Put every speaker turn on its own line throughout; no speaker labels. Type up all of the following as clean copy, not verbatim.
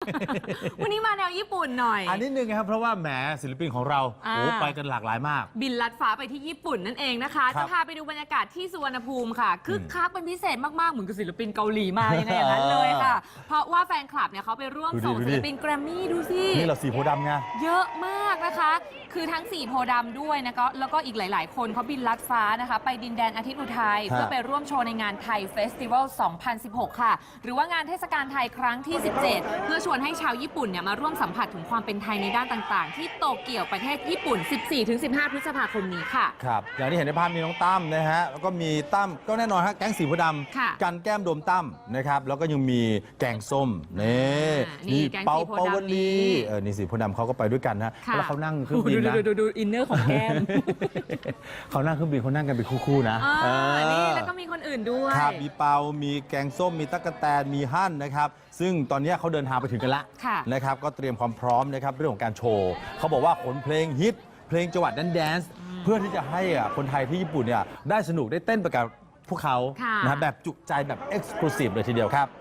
วันนี้มาแนวญี่ปุ่นหน่อย
อันนี้นึงครับเพราะว่าแหมศิลปินของเราไปกันหลากหลายมาก
บินลัดฟ้าไปที่ญี่ปุ่นนั่นเองนะคะจะพาไปดูบรรยากาศที่สุวรรณภูมิค่ะคึกคักเป็นพิเศษมากๆเหมือนกับศิลปินเกาหลีมาในอย่างนั้นเลยค่ะเพราะว่าแฟนคลับเนี่ยเขาไปร่วมส่งศิลปินแกรมมี่ดูสิ
นี่เราสีโพธิ์ดำไง
เยอะมากนะคะคือทั้ง4โพธิ์ดำด้วยนะแล้วก็อีกหลายๆคนเขาบินลัดฟ้านะคะไปดินแดนอาทิตย์อุทัยเพื่อไปร่วมโชว์ในงานไทยเฟสติวัล 2016 ค่ะหรือว่างานเทศกาลไทยครั้งที่ 17 เพื่อชวนให้ชาวญี่ปุ่นเนี่ยมาร่วมสัมผัสถึงความเป็นไทยในด้านต่างๆ ที่โตเกียวประเทศญี่ปุ่น 14-15 พฤษภาคมนี้ค่ะ
ครับอย่างที่เห็นในภาพมีน้องตั้มนะฮะแล้วก็มีตั้มก็แน่นอนฮะแก๊งสีโพธิ์ดำกันแก้มโดมตั้มนะครับแล้วก็ยังมีแกงส้มนี่เปาวลีนี่สีโพธิ์ดำเขาก็ไปด้วยกันนะแล้วเขานั่งเครื่องบินนะ
ดูอินเนอร์ของแก้ม
เขานั่งเครื่องบินเขานั่งกันเป็นคู่ๆนะ
นี่แล้วก็มีคนอื่นด้วย
ครับมีเปามีแกงส้มมีตั๊กแตนมีฮั่นนะครับซึ่งตอนนี้เขาเดินทางไปถึงกันแล้วนะครับก็เตรียมความพร้อมนะครับเรื่องของการโชว์เขาบอกว่าขนเพลงฮิตเพลงจังหวัดแดนซ์เพื่อที่จะให้คนไทยที่ญี่ปุ่นเนี่ยได้สนุกได้เต้นไปกับพวกเขานะแบบจุใจแบบเอ็กซ์คลูซีฟเลยทีเดียวครับ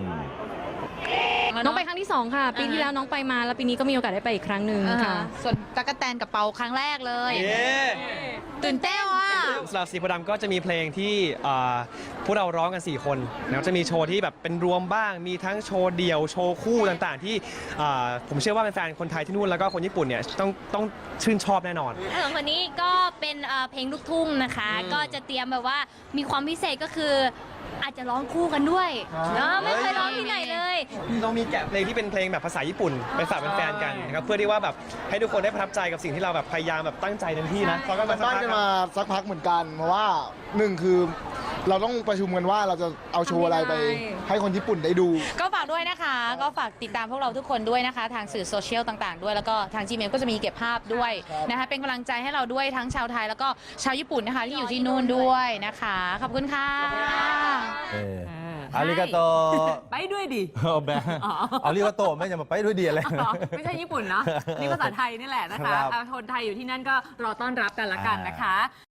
น้องไปครั้งที่2ค่ะปีที่แล้วน้องไปมาแล้วปีนี้ก็มีโอกาสได้ไปอีกครั้งหนึ่งค่ะ
ส่วนตั๊กแตนกับเปาครั้งแรกเลยตื่นเต้นว่ะ
สำหรับสีโพธิ์ดำก็จะมีเพลงที่พวกเราร้องกัน4คนแล้วจะมีโชว์ที่แบบเป็นรวมบ้างมีทั้งโชว์เดี่ยวโชว์คู่ต่างๆที่ผมเชื่อว่าแฟนๆคนไทยที่นู่นแล้วก็คนญี่ปุ่นเนี่ยต้องชื่นชอบแน่นอน
คนนี้ก็เป็นเพลงลูกทุ่งนะคะก็จะเตรียมแบบว่ามีความพิเศษก็คืออาจจะร้องคู่กันด้วยไม่เคยร้องที่ไหนเลย
เรามีแกะเพลงที่เป็นเพลงแบบภาษาญี่ปุ่นไปฝากแฟนๆกันนะครับเพื่อที่ว่าแบบให้ทุกคนได้ประทับใจกับสิ่งที่เราแบบพยายามแบบตั้งใจเต็มที่นะ
เราก็ตั้งกันมาสักพักเหมือนกันเพราะว่า1คือเราต้องประชุมกันว่าเราจะเอาโชว์อะไรไปให้คนญี่ปุ่นได้ดู
ก็ฝากด้วยนะคะก็ฝากติดตามพวกเราทุกคนด้วยนะคะทางสื่อโซเชียลต่างๆด้วยแล้วก็ทาง Gmail ก็จะมีเก็บภาพด้วยนะคะเป็นกำลังใจให้เราด้วยทั้งชาวไทยแล้วก็ชาวญี่ปุ่นนะคะที่อยู่ที่นู่นด้วยนะคะขอบคุณค่ะ
อาริกาโต
ไปด้วยดิ
อาริกาโตไม่จะมาไปด้วยดีอะไร
ไม่ใช่ญี่ปุ่นเนาะนี่ภาษาไทยนี่แหละนะคะคนไทยอยู่ที่นั่นก็รอต้อนรับกันละกันนะคะ